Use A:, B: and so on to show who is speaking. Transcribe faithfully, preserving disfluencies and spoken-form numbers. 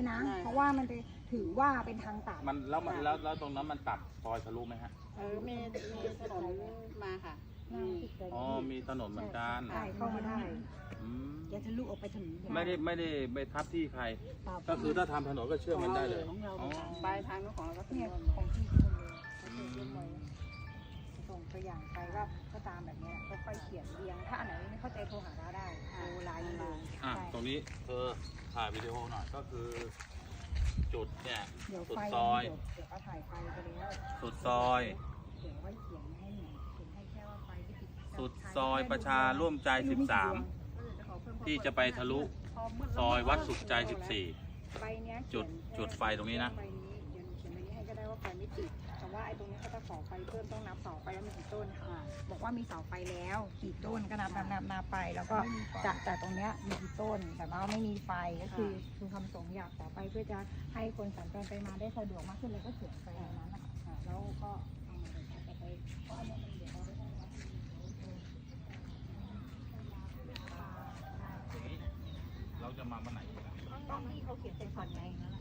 A: นะ เพราะว่ามันจะถือว่าเป็นทางตัด
B: มันแล้วมันแล้วแล้วตรงนั้นมันตัดซอยทะลุไหมฮะ
C: เออมีมีถนนมาค่ะมี
B: อ๋อมีถนนเหมือนกัน
A: ใช่เข้ามาได้
B: อืม
A: จะทะลุออกไปถนน
B: ไม่ได้ไม่ได้ไปทับที่ใคร ก็คือถ้าทำถนนก็เชื่อมมันได้เลย
C: ของเรา
B: อ๋อ
C: ปลายทางของเราก็ถน
A: เนี่ย
C: น
A: ของที่คนเลยเขาเขียนไว้ส่งตัวอย่างไปว่าก็ตามแบบเนี้ยก็ค่อยเขียนเรียงถ้าอันไหนไม่เข้าใจโทรหาเราได้โทรไลน์มา
B: อ่ะ
A: ใช่
B: ตรงนี้เธอถ่ายวิดีโอหน่อยก็คือ จุดเนี่ย
A: เดี๋ยว
B: สุด
A: ไฟ
B: ซอย
A: เดี๋ยวเดี๋ยวเอาถ่ายไฟไปแล้ว
B: สุดซอย
A: เดี๋ยวไว้เขียนให้หน่อยเขียนให้แค่ว่าไฟที่ติด
B: สุดซอยประชาร่วมใจสิบสาม ที่จะไปทะลุซอยวัดสุขใจสิบสี่
A: ใบเนี้ย
B: จุดจุดไฟตรงนี้นะ
A: ใบนี้เดี๋ยวหนูเขียนใบนี้ให้ก็ได้ว่าไฟไม่ติดแต่ว่าไอ้ตรงนี้เขาจะขอไฟเพิ่มต้องนับเสาไฟแล้วมีกี่ต้นค่ะบอกว่ามีเสาไฟแล้วกี่ต้นก็นับนับนับนับไปแล้วก็จากจากตรงเนี้ยมีกี่ต้นแต่ว่าไม่มีไฟก็คือคือคำสงอยากขอไปเพื่อจะให้คนสัญจรไปมาได้สะดวกมากขึ้นเลยก็เขียนไปอย่างนั้นนะคะแล้วก็เอามาเดี๋ยวจะไปเพราะอันนี้มันเดี๋ยวเราได้
B: เราจะมาวันไหน
A: ต้องที่เขาเขียนเป็นขอนไงนั่นแหละ